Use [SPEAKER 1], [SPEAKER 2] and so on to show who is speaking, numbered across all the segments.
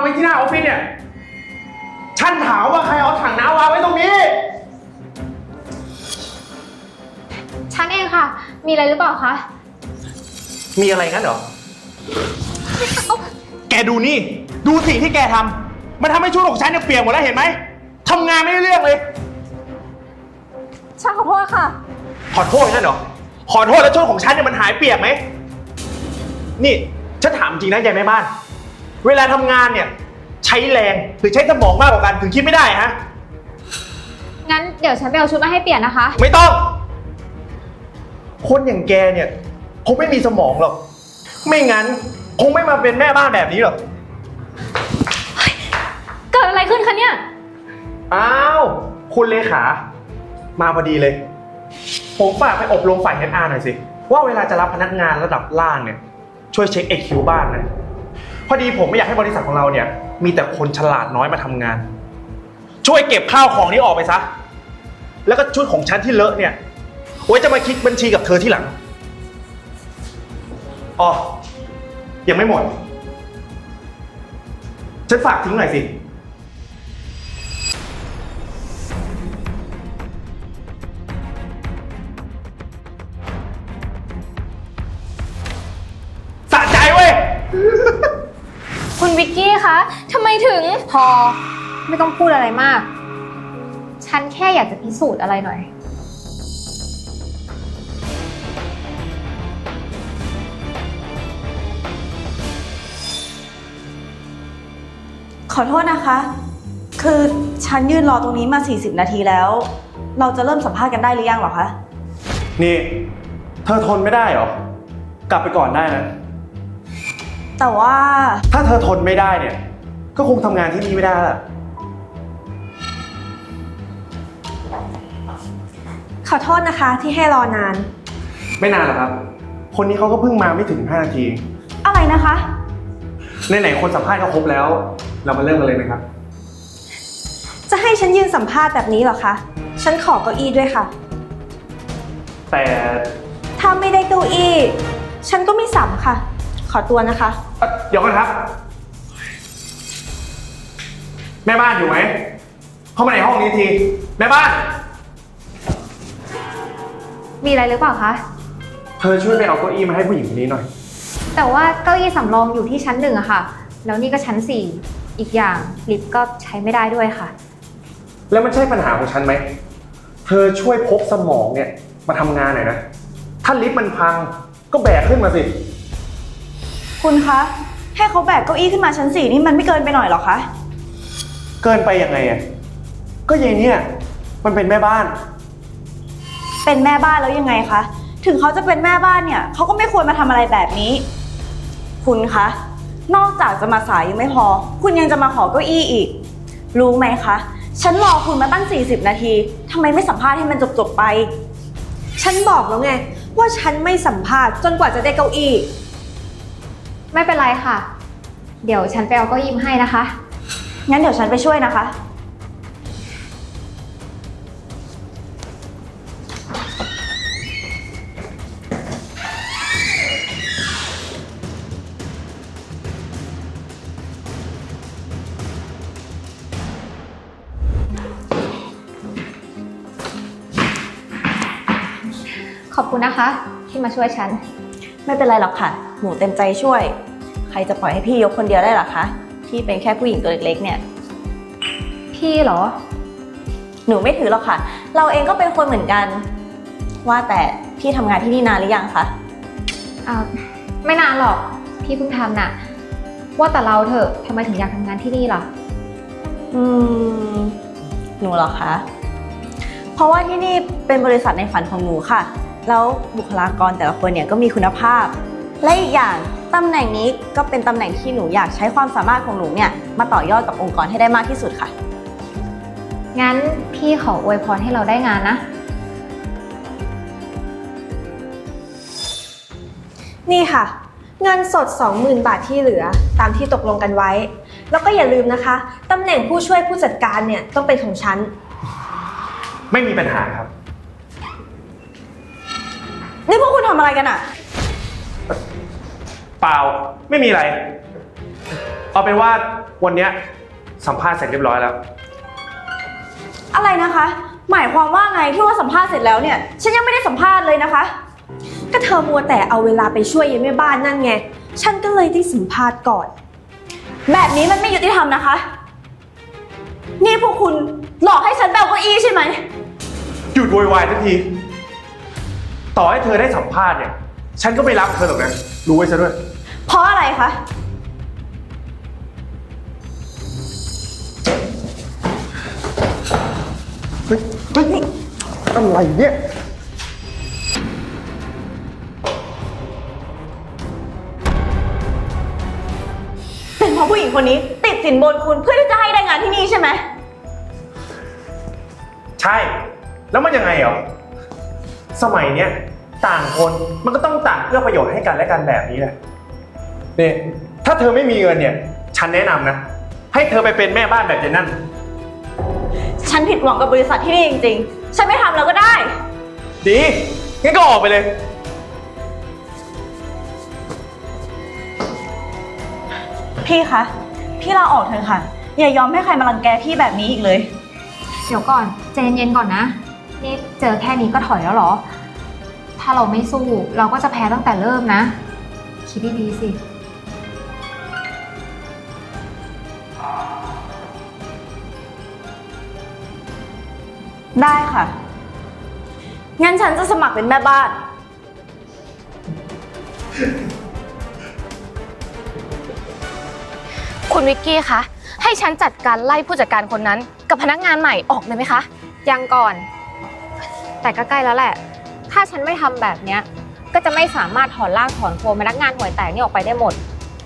[SPEAKER 1] ว้ที่หน้าออฟฟิศเนี่ยฉันถามว่าใครเอาถังน้ำวางไว้ตรงนี้
[SPEAKER 2] ฉันเองค่ะมีอะไรหรือเปล่าคะ
[SPEAKER 1] มีอะไรงั้นเหรอแกดูนี่ดูสิ่งที่แกทำมันทำให้ชุดของฉันเนี่ยเปียกหมดแล้วเห็นไหมทำงานไม่ได้เรื่องเลย
[SPEAKER 2] ฉันขอโทษค่ะ
[SPEAKER 1] ขอโทษงั้นเหรอขอโทษแล้วชุดของฉันเนี่ยมันหายเปียกไหมนี่ฉันถามจริงนะยายแม่บ้านเวลาทำงานเนี่ยใช้แรงหรือใช้สมองมากกว่ากันถึงคิดไม่ได้ฮะ
[SPEAKER 2] งั้นเดี๋ยวฉันไปเอาชุดมาให้เปลี่ยนนะคะ
[SPEAKER 1] ไม่ต้องคนอย่างแกเนี่ยคงไม่มีสมองหรอกไม่งั้นคงไม่มาเป็นแม่บ้านแบบนี้หรอก
[SPEAKER 2] เกิดอะไรขึ้นคะเนี่ย
[SPEAKER 1] อ้าวคุณเลขามาพอดีเลยผมฝากไปอบรมฝ่าย HR หน่อยสิว่าเวลาจะรับพนักงานระดับล่างเนี่ยช่วยเช็ค EQ บ้างนะพอดีผมไม่อยากให้บริษัทของเราเนี่ยมีแต่คนฉลาดน้อยมาทำงานช่วยเก็บข้าวของนี้ออกไปซะแล้วก็ชุดของฉันที่เลอะเนี่ยไว้จะมาคิดบัญชีกับเธอที่หลังอ๋อยังไม่หมดฉันฝากทิ้งหน่อยสิสะใจเว้ย
[SPEAKER 2] คุณวิกกี้คะทำไมถึงพอไม่ต้องพูดอะไรมากฉันแค่อยากจะพิสูจน์อะไรหน่อย
[SPEAKER 3] ขอโทษนะคะคือฉันยืนรอตรงนี้มา40นาทีแล้วเราจะเริ่มสัมภาษณ์กันได้หรือยังหรอคะ
[SPEAKER 1] นี่เธอทนไม่ได้เหรอกลับไปก่อนได้นะ
[SPEAKER 3] แต่ว่า
[SPEAKER 1] ถ้าเธอทนไม่ได้เนี่ยก็คงทำงานที่นี่ไม่ได้ละ
[SPEAKER 3] ขอโทษนะคะที่ให้รอนาน
[SPEAKER 1] ไม่นานหรอกครับคนนี้เขาก็เพิ่งมาไม่ถึง5นาที
[SPEAKER 3] อะไรนะคะ
[SPEAKER 1] ไหนๆคนสัมภาษณ์เขาครบแล้วเรามาเริ่มกันเลยนะครับ
[SPEAKER 3] จะให้ฉันยืนสัมภาษณ์แบบนี้เหรอคะฉันขอเก้าอี้ด้วยค่ะ
[SPEAKER 1] แต่
[SPEAKER 3] ถ้าไม่ได้เก้าอี้ฉันก็ไม่สัมค่ะขอตัวนะคะ
[SPEAKER 1] เดี๋ยวก่อนครับแม่บ้านอยู่ไหมเข้ามาในห้องนี้ทีแม่บ้าน
[SPEAKER 2] มีอะไรหรือเปล่าคะ
[SPEAKER 1] เธอช่วยไปเอาเก้าอี้มาให้ผู้หญิงคนนี้หน่อย
[SPEAKER 2] แต่ว่าเก้าอี้สำรองอยู่ที่ชั้น1อะค่ะแล้วนี่ก็ชั้น4อีกอย่างลิฟต์ก็ใช้ไม่ได้ด้วยค่ะ
[SPEAKER 1] แล้วมันใช่ปัญหาของฉันไหมเธอช่วยพกสมองเนี่ยมาทำงานหน่อยนะถ้าลิฟต์มันพังก็แบกขึ้นมาสิ
[SPEAKER 3] คุณคะให้เขาแบกเก้าอี้ขึ้นมาชั้น4นี่มันไม่เกินไปหน่อยหรอคะ
[SPEAKER 1] เกินไปยังไงอ่ะก็ยายเนี่ยมันเป็นแม่บ้าน
[SPEAKER 3] เป็นแม่บ้านแล้วยังไงคะถึงเขาจะเป็นแม่บ้านเนี่ยเขาก็ไม่ควรมาทำอะไรแบบนี้คุณคะนอกจากจะมาสายยังไม่พอคุณยังจะมาขอเก้าอี้อีกรู้ไหมคะฉันรอคุณมาตั้ง40นาทีทำไมไม่สัมภาษณ์ให้มันจบไปฉันบอกแล้วไงว่าฉันไม่สัมภาษณ์จนกว่าจะได้เก้าอี้
[SPEAKER 2] ไม่เป็นไรค่ะเดี๋ยวฉันไปเอาเก้าอี้มาให้นะคะ
[SPEAKER 3] งั้นเดี๋ยวฉันไปช่วยนะคะ
[SPEAKER 2] ขอบคุณนะคะที่มาช่วยฉัน
[SPEAKER 3] ไม่เป็นไรหรอกค่ะหนูเต็มใจช่วยใครจะปล่อยให้พี่ยกคนเดียวได้หรอคะพี่เป็นแค่ผู้หญิงตัวเล็กๆเนี่ย
[SPEAKER 2] พี่เหรอ
[SPEAKER 3] หนูไม่ถือหรอกค่ะเราเองก็เป็นคนเหมือนกันว่าแต่พี่ทำงานที่นี่นานหรือยังคะ
[SPEAKER 2] ไม่นานหรอกพี่เพิ่งทำน่ะว่าแต่เราเถอะทำไมถึงอยากทำงานที่นี่ล่ะ
[SPEAKER 3] หนูเหรอคะเพราะว่าที่นี่เป็นบริษัทในฝันของหนูค่ะแล้วบุคลากรแต่ละคนเนี่ยก็มีคุณภาพและอีกอย่างตำแหน่งนี้ก็เป็นตำแหน่งที่หนูอยากใช้ความสามารถของหนูเนี่ยมาต่อยอดกับองค์กรให้ได้มากที่สุดค่ะ
[SPEAKER 2] งั้นพี่ขออวยพรให้เราได้งานนะ
[SPEAKER 4] นี่ค่ะเงินสด 20,000 บาทที่เหลือตามที่ตกลงกันไว้แล้วก็อย่าลืมนะคะตำแหน่งผู้ช่วยผู้จัดการเนี่ยต้องเป็นของฉัน
[SPEAKER 1] ไม่มีปัญหาครับ
[SPEAKER 3] นี่พวกคุณทำอะไรกันอะ
[SPEAKER 1] เปล่าไม่มีอะไรเอาเป็นว่าวันเนี้ยสัมภาษณ์เสร็จเรียบร้อยแล้ว
[SPEAKER 3] อะไรนะคะ หมายความว่าไงที่ว่าสัมภาษณ์เสร็จแล้วเนี่ย ฉันยังไม่ได้สัมภาษณ์เลยนะคะ
[SPEAKER 4] ก็เธอมัวแต่เอาเวลาไปช่วยยายแม่บ้านนั่นไง ฉันก็เลยได้สัมภาษณ์ก่อน
[SPEAKER 3] แบบนี้มันไม่ยุติธรรมนะคะ นี่พวกคุณหลอกให้ฉันแบกเก้าอี้ใช่ไหม
[SPEAKER 1] หยุดโวยวายทันที ต่อให้เธอได้สัมภาษณ์เนี่ย ฉันก็ไม่รับเธอหรอกนะ รู้ไว้ซะด้วย
[SPEAKER 3] เพราะอะไรคะ
[SPEAKER 1] เฮ้ยอะไรเนี่ย
[SPEAKER 3] เป็นเพราะผู้หญิงคนนี้ติดสินบนคุณเพื่อที่จะให้ได้งานที่นี่ใช่ไหม
[SPEAKER 1] ใช่ แล้วมันยังไงเหรอ สมัยเนี้ยต่างคนมันก็ต้องต่างเพื่อประโยชน์ให้กันและกันแบบนี้แหละเนี่ยถ้าเธอไม่มีเงินเนี่ย ฉันแนะนำนะ ให้เธอไปเป็นแม่บ้านแบบเจนนั่น
[SPEAKER 3] ฉันผิดหวังกับบริษัทที่นี่จริงๆ ฉันไม่ทำแล้วก็ได้
[SPEAKER 1] ดี งั้นก็ออกไปเลย
[SPEAKER 3] พี่คะ พี่ลาออกเถอะค่ะ อย่ายอมให้ใครมารังแกพี่แบบนี้อีกเลย
[SPEAKER 2] เดี๋ยวก่อนใจเย็นๆก่อนนะ นี่เจอแค่นี้ก็ถอยแล้วเหรอ ถ้าเราไม่สู้เราก็จะแพ้ตั้งแต่เริ่มนะ คิดดีๆสิ
[SPEAKER 3] ได้ค่ะ งั้นฉันจะสมัครเป็นแม่บ้าน
[SPEAKER 5] คุณวิกกี้คะ ให้ฉันจัดการไล่ผู้จัดการคนนั้นกับพนักงานใหม่ออกเลยไหมคะ
[SPEAKER 2] ยังก่อน แต่ก็ใกล้แล้วแหละ ถ้าฉันไม่ทำแบบเนี้ย ก็จะไม่สามารถถอนรากถอนโคนพนักงานห่วยแตกนี่ออกไปได้หมด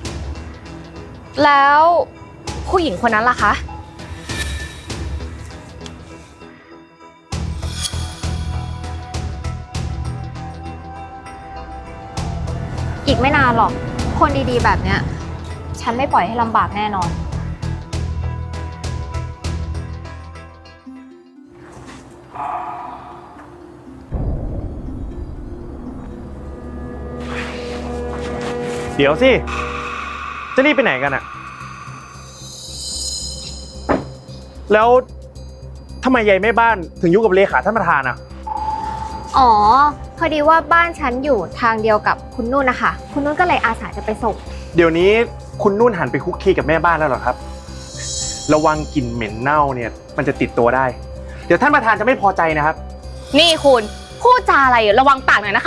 [SPEAKER 5] แล้วผู้หญิงคนนั้นล่ะคะ
[SPEAKER 2] อีกไม่นานหรอก คนดีๆแบบเนี้ย ฉันไม่ปล่อยให้ลำบากแน่นอน
[SPEAKER 1] เดี๋ยวสิ จะรีบไปไหนกันอะแล้วทำไมยายแม่บ้านถึงยุ่งกับเลขาท่านประธานอะ
[SPEAKER 2] อ๋อ พอดีว่าบ้านฉันอยู่ทางเดียวกับคุณนุ่นนะคะ คุณนุ่นก็เลยอาสาจะไปส่ง
[SPEAKER 1] เดี๋ยวนี้คุณนุ่นหันไปคุกคีกับแม่บ้านแล้วเหรอครับ ระวังกลิ่นเหม็นเน่าเนี่ยมันจะติดตัวได้ เดี๋ยวท่านประธานจะไม่พอใจนะครับ
[SPEAKER 5] นี่คุณพูดจาอะไรระวังปากหน่อยนะคะ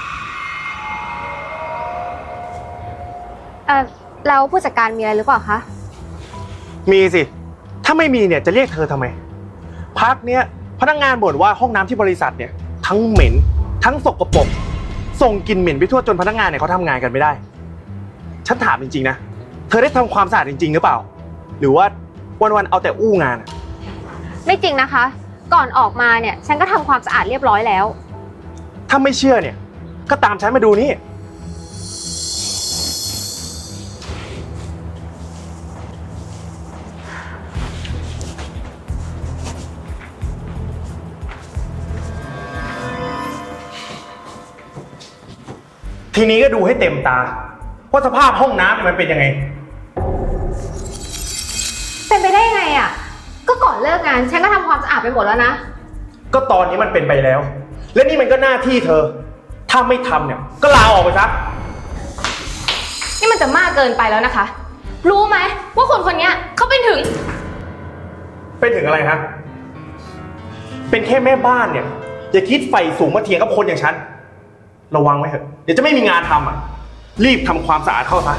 [SPEAKER 2] แล้วผู้จัดการมีอะไรหรือเปล่าคะ
[SPEAKER 1] มีสิ ถ้าไม่มีเนี่ยจะเรียกเธอทำไม พักเนี้ยพนักงานบ่นว่าห้องน้ำที่บริษัทเนี่ยทั้งเหม็นทั้งสกปรกส่งกลิ่นเหม็นไปทั่วจนพนักงานเนี่ยเขาทำงานกันไม่ได้ ฉันถามจริงๆนะ เธอได้ทำความสะอาดจริงๆหรือเปล่า หรือว่าวันๆเอาแต่อู้งานอะ
[SPEAKER 2] ไม่จริงนะคะ ก่อนออกมาเนี่ย ฉันก็ทำความสะอาดเรียบร้อยแล้ว
[SPEAKER 1] ถ้าไม่เชื่อเนี่ยก็ตามฉันมาดูนี่ ทีนี้ก็ดูให้เต็มตาว่าสภาพห้องน้ำเนี่ยมันเป็นยังไง
[SPEAKER 2] เป็นไปได้ยังไงอ่ะ ก็ก่อนเลิกงานฉันก็ทำความสะอาดไปหมดแล้วนะ
[SPEAKER 1] ก็ตอนนี้มันเป็นไปแล้ว และนี่มันก็หน้าที่เธอ ถ้าไม่ทำเนี่ยก็ลาออกไปซะ
[SPEAKER 5] นี่มันจะมากเกินไปแล้วนะคะ รู้ไหมว่าคนคนนี้เขาเป็นถึง
[SPEAKER 1] เป็นถึงอะไรฮะ เป็นแค่แม่บ้านเนี่ยอย่าคิดไฟสูงมาเถียงกับคนอย่างฉัน ระวังไว้เถอะ เดี๋ยวจะไม่มีงานทำอ่ะ รีบทำความสะอาดเข้าซะ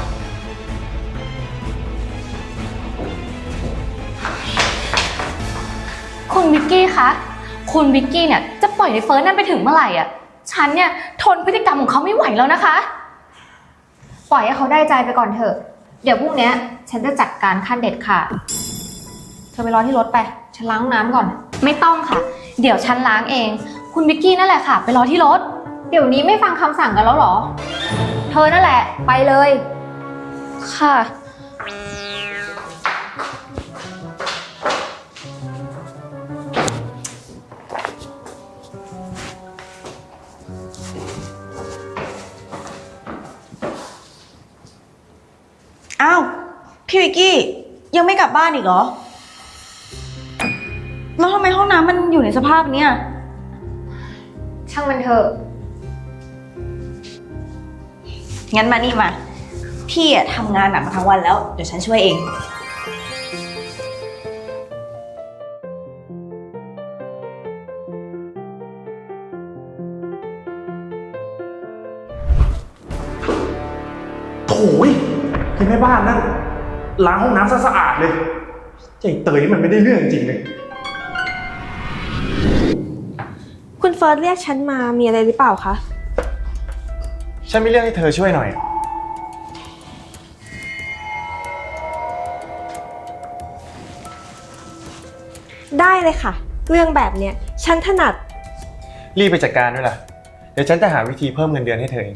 [SPEAKER 5] คุณวิกกี้คะ คุณวิกกี้เนี่ยจะปล่อยในเฟิร์สนั่นไปถึงเมื่อไหร่อ่ะ ฉันเนี่ยทนพฤติกรรมของเขาไม่ไหวแล้วนะคะ
[SPEAKER 2] ปล่อยให้เขาได้ใจไปก่อนเถอะ เดี๋ยวพรุ่งนี้ฉันจะจัดการขั้นเด็ดขาด เธอไปรอที่รถไป ฉันล้างห้องน้ำก่อน
[SPEAKER 5] ไม่ต้องค่ะ เดี๋ยวฉันล้างเอง คุณวิกกี้นั่นแหละค่ะ ไปรอที่รถ
[SPEAKER 2] เดี๋ยวนี้ไม่ฟังคำสั่งกันแล้วเหรอ เธอนั่นแหละ ไปเลย
[SPEAKER 5] ค่ะ
[SPEAKER 3] อ้าวพี่วิกกี้ยังไม่กลับบ้านอีกเหรอ แล้วทำไมห้องน้ำมันอยู่ในสภาพเนี้ย
[SPEAKER 2] ช่างมันเถอะ
[SPEAKER 3] งั้นมานี่มา พี่อะทำงานหนักมาทั้งวันแล้ว เดี๋ยวฉันช่วยเอง
[SPEAKER 1] โถ่ยคือแม่บ้านนั่นล้างห้องน้ำสะอาดเลยใจเตยนี่มันไม่ได้เรื่องจริงเลย
[SPEAKER 4] คุณเฟิร์สเรียกฉันมามีอะไรหรือเปล่าคะ
[SPEAKER 1] ฉันมีเรื่องให้เธอช่วยหน่อย
[SPEAKER 4] ได้เลยค่ะ เรื่องแบบเนี้ยฉันถนัด
[SPEAKER 1] รีบไปจัดการด้วยล่ะ เดี๋ยวฉันจะหาวิธีเพิ่มเงินเดือนให้เธอเอง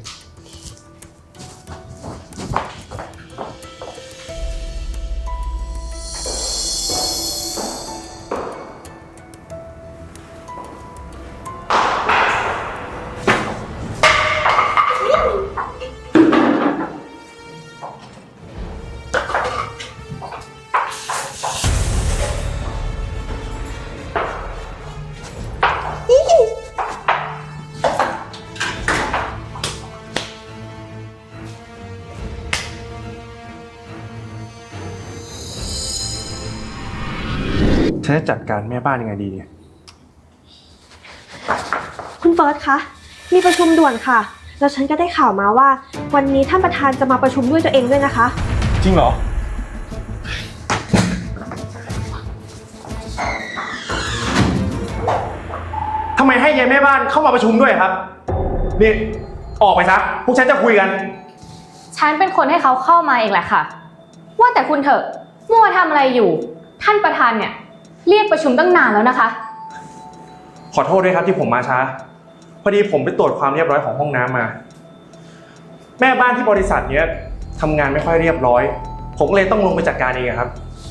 [SPEAKER 1] ฉันจะจัดการแม่บ้านยังไงดีเนี่ย
[SPEAKER 4] คุณเฟิร์สคะ มีประชุมด่วนค่ะ แล้วฉันก็ได้ข่าวมาว่า วันนี้ท่านประธานจะมาประชุมด้วยตัวเองด้วยนะคะ
[SPEAKER 1] จริงเหรอ ทำไมให้ยายแม่บ้านเข้ามาประชุมด้วยครับ นี่ ออกไปซะ พวกฉันจะคุยกัน
[SPEAKER 5] ฉันเป็นคนให้เขาเข้ามาเองแหละค่ะ ว่าแต่คุณเถอะมัวทำอะไรอยู่ ท่านประธานเนี่ยเรียกประชุมตั้งนานแล้วนะคะ
[SPEAKER 1] ขอโทษด้วยครับที่ผมมาช้า พอดีผมไปตรวจความเรียบร้อยของห้องน้ำมา แม่บ้านที่บริษัทเนี้ยทำงานไม่ค่อยเรียบร้อย ผมก็เลยต้องลงไปจัดการเองอะครับ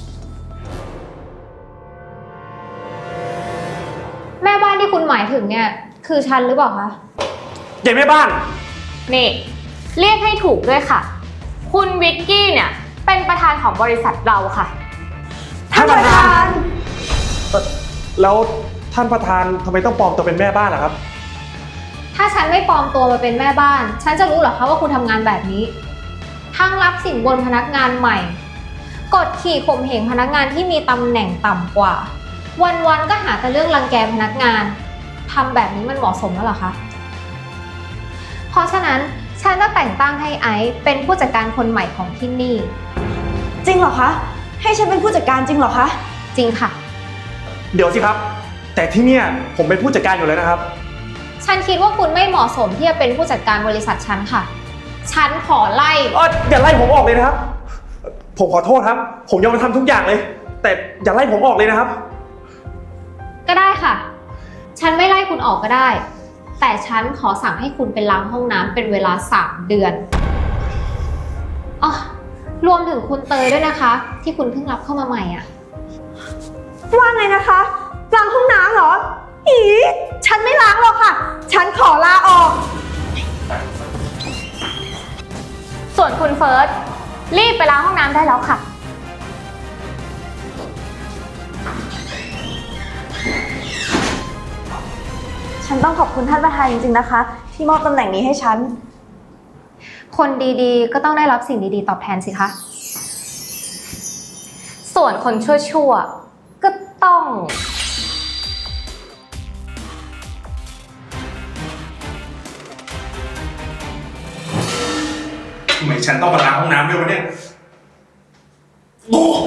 [SPEAKER 2] แม่บ้านที่คุณหมายถึงเนี่ย คือฉันหรือเปล่าคะ
[SPEAKER 1] ยายแม่บ้าน
[SPEAKER 5] นี่ เรียกให้ถูกด้วยค่ะ คุณวิกกี้เนี่ยเป็นประธานของบริษัทเราค่ะ
[SPEAKER 1] ท่านประธาน แล้วท่านประธานทำไมต้องปลอมตัวเป็นแม่บ้านล่ะครับ
[SPEAKER 2] ถ้าฉันไม่ปลอมตัวมาเป็นแม่บ้าน ฉันจะรู้เหรอคะว่าคุณทำงานแบบนี้ ทั้งรับสินบนพนักงานใหม่ กดขี่ข่มเหงพนักงานที่มีตำแหน่งต่ำกว่า วันๆก็หาแต่เรื่องรังแกพนักงานทำแบบนี้มันเหมาะสมแล้วเหรอคะ เพราะฉะนั้นฉันจะแต่งตั้งให้ไอซ์เป็นผู้จัดการคนใหม่ของที่นี่
[SPEAKER 3] จริงเหรอคะ ให้ฉันเป็นผู้จัดการจริงเหรอคะ
[SPEAKER 2] จริงค่ะ
[SPEAKER 1] เดี๋ยวสิครับ แต่ที่เนี่ยผมเป็นผู้จัดการอยู่แล้วนะครับ
[SPEAKER 2] ฉันคิดว่าคุณไม่เหมาะสมที่จะเป็นผู้จัดการบริษัทฉันค่ะ ฉันขอไล่
[SPEAKER 1] อย่าไล่ผมออกเลยนะครับ ผมขอโทษครับ ผมยอมทำทุกอย่างเลย แต่อย่าไล่ผมออกเลยนะครับ
[SPEAKER 2] ก็ได้ค่ะ ฉันไม่ไล่คุณออกก็ได้ แต่ฉันขอสั่งให้คุณไปล้างห้องน้ำเป็นเวลา3 เดือนอ๋อรวมถึงคุณเตยด้วยนะคะ ที่คุณเพิ่งรับเข้ามาใหม่อ่ะ
[SPEAKER 4] ว่าไงนะคะล้างห้องน้ำเหรอ อีฉันไม่ล้างหรอกค่ะ ฉันขอลาออก
[SPEAKER 5] ส่วนคุณเฟิร์สรีบไปล้างห้องน้ำได้แล้วค่ะ
[SPEAKER 3] ฉันต้องขอบคุณท่านประธานจริงๆนะคะ ที่มอบตำแหน่งนี้ให้ฉัน
[SPEAKER 2] คนดีๆ ก็ต้องได้รับสิ่งดีๆ ตอบแทนสิคะ
[SPEAKER 5] ส่วนคนชั่วๆก็ต้อง
[SPEAKER 1] ทำไมฉันต้องมาล้างห้องน้ำด้วยวะเนี่ยโอ้